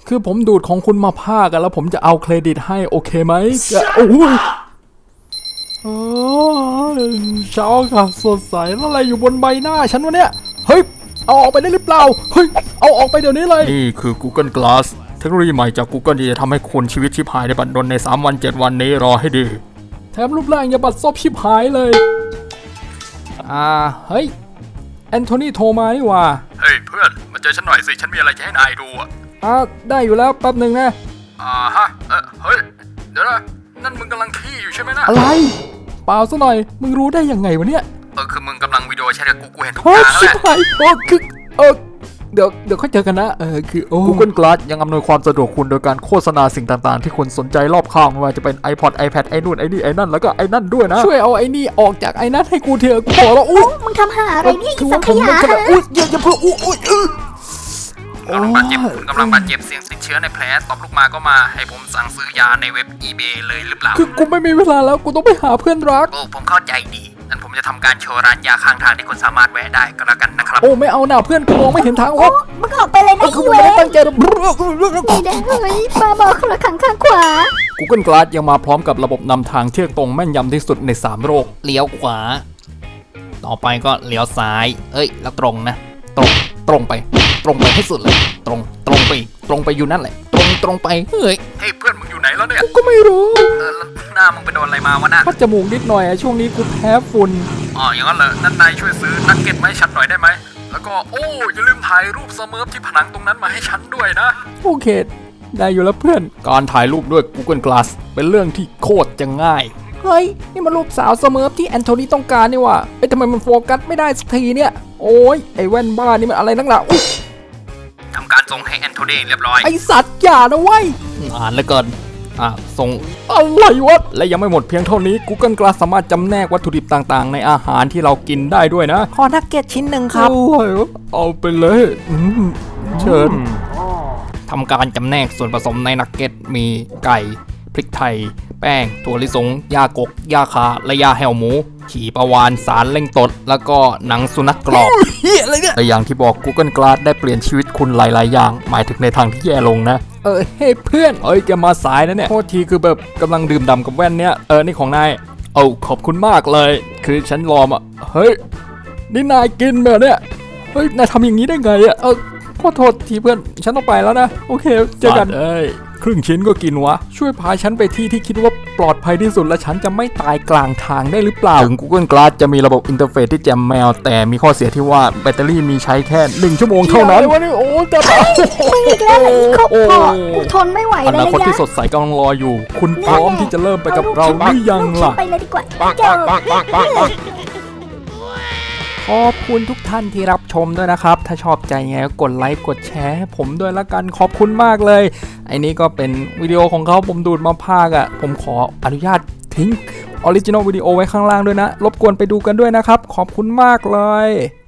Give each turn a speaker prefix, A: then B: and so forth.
A: คือผมดูดของคุณมาพากันแล้วผมจะเอาเครดิตให้โอเคไหมโอ้ยเช้าค่ะสดใสแล้วอะไรอยู่บนใบหน้าฉันวะเนี่ยเฮ้ยเอาออกไปได้หรือเปล่าเฮ้ยเอาออกไปเดี๋ยวนี้เลยนี่คือ Google Glass เทคโนโลยีใหม่จาก Google ที่จะทำให้คุณชีวิตชิบหายในบัดดลใน3 วัน 7 วันนี้รอให้ดีแถมรูปร่างอย่าบัดซบชิบหายเลยเฮ้ยแอนโทนีโทรมานี่ว่า
B: เฮ้ยเพื่อนมาเจอฉันหน่อยสิฉันมีอะไรจะให้นายดู
A: ได้อยู่แล้วแป๊บหนึ่งนะ
B: ฮะเฮ้ยเดี๋ยวนะนั่นมึงกำลังขี้อยู่ใช่ไหมนะ
A: อะไรเปล่าซะหน่อยมึงรู้ได้ยังไงวะเนี่ย
B: คือมึงกำลังวิดีโอแชทกับกูเห็นทุกอย่างแล้วแหละ
A: คือเดี๋ยวค่อยเจอกันนะคือGoogle Glass ยังอำนวยความสะดวกคุณโดยการโฆษณาสิ่งต่างๆที่คุณสนใจรอบข้างไม่ว่าจะเป็น iPod iPad ไอ้นู่นไอ้นี่ไอ้นั่นแล้วก็ไอ้นั่นด้วยนะช่วยเอาไอ้นี่ออกจากไอ้นั่นให้กูเถอะกูขอแล้ว
C: มึงทำหาอะไรเนี่ยอีสังขยา
A: อย่าเพิ่ง
B: กำลังบาดเจ็บเสี่ยงติดเชื้อในแผลตบลูกมาก็มาให้ผมสั่งซื้อยาในเว็บ eBay เลยหรือเปล่า
A: คือกูไม่มีเวลาแล้วกูต้องไปหาเพื่อนรัก
B: ผมเข้าใจดีงั้นผมจะทำการโชว์ร้านยาข้างทางที่คุณสามารถแวะได้ก็แล้วกันนะครับ
A: ไม่เอาหน่าเพื่อนกูมองไม่เห็นทาง
C: มึงออกไปเลยนะ
A: กูไม่ได้ตั้งใจ
C: ไม่ได้เฮ้ยบ้าบอคนละข้างขวา
A: Google Glass ยังมาพร้อมกับระบบนำทางเที่ยงตรงแม่นยำที่สุดใน3โลก
D: เลี้ยวขวาต่อไปก็เลี้ยวซ้ายแล้วตรงนะตรงไปให้สุดเลยตรงไปอยู่นั่นแหละตรงไป
B: เฮ้ยเพื่อนมึงอยู่ไหนแล้วเนี่ย
A: กูก็ไม่รู้
B: หน้ามึงไปโดนอะไรมาวะน่ะ
A: พัดจมูกนิดหน่อยช่วงนี้กูแพ้ฝุ่น
B: อย่างนั้นเหรอนั่นนายช่วยซื้อนักเก็ตมาให้ฉันหน่อยได้ไหมแล้วก็อย่าลืมถ่ายรูปเสเมิร์ฟที่ผนังตรงนั้นมาให้ฉันด้วยนะ
A: โอเคได้อยู่แล้วเพื่อนการถ่ายรูปด้วย Google Glass เป็นเรื่องที่โคตรจะง่ายเฮ้ยนี่มันรูปสาวเสเมิร์ฟที่แอนโทนีต้องการนี่ว่ะทำไมมันโฟกัสไม่ได้สักทีเนี่ยโอ้ยไอ้แว่นบ้านี่มันอะไรนักหนา
B: ทำการส่งให้แอนโทนีเรียบร้อย
A: ไอสัตว์อย่านะเว้ย
D: แล้วก่อนส่ง
A: อะไรวะและยังไม่หมดเพียงเท่านี้ Google Glass สามารถจำแนกวัตถุดิบต่างๆในอาหารที่เรากินได้ด้วยนะ
D: ขอนักเก็ตชิ้นหนึ่งครับ
A: เอาไปเลยเชิญ
D: ทำการจำแนกส่วนผสมในนักเก็ตมีไก่พริกไทยแป้งถั่วลิสงยากกยาคาและยาแห้วหมูขี่ปลาวานสารเล่งตดแล้วก็หนังสุนัขกรอบ
A: แต่อย่างที่บอก Google Glass ได้เปลี่ยนชีวิตคุณหลายๆอย่างหมายถึงในทางที่แย่ลงนะเฮ้ยเพื่อนแกมาสายนะเนี่ยโทษทีคือแบบกำลังดื่มด่ำกับแว่นเนี้ยนี่ของนายขอบคุณมากเลยคือฉันรอมาเฮ้ยนี่นายกินแบบเนี่ยเฮ้ยนายทำอย่างนี้ได้ไงขอโทษทีเพื่อนฉันต้องไปแล้วนะโอเคเจอกันครึ่งชิ้นก็กินวะช่วยพาฉันไปที่คิดว่าปลอดภัยที่สุดและฉันจะไม่ตายกลางทางได้หรือเปล่าถึง Google Glass จะมีระบบอินเทอร์เฟซที่แจ่มแมวแต่มีข้อเสียที่ว่าแบตเตอรี่มีใช้แค่1 ชั่วโมงเท่านั้น
C: จะตายมึงอีกแล้วเหรออีกครบกูทนไม่ไหวแล้ว
A: อนาคตที่สดใสกำลังรออยู่คุณพร้อมที่จะเริ่มไปกับเราหรือยังล่ะ
C: ไปเลยดีกว่า
A: ขอบคุณทุกท่านที่รับชมด้วยนะครับถ้าชอบใจไงก็กดไลค์กดแชร์ให้ผมด้วยละกันขอบคุณมากเลยไอ้นี้ก็เป็นวิดีโอของเขาผมดูดมาพากผมขออนุญาตทิ้งออริจินอลวิดีโอไว้ข้างล่างด้วยนะรบกวนไปดูกันด้วยนะครับขอบคุณมากเลย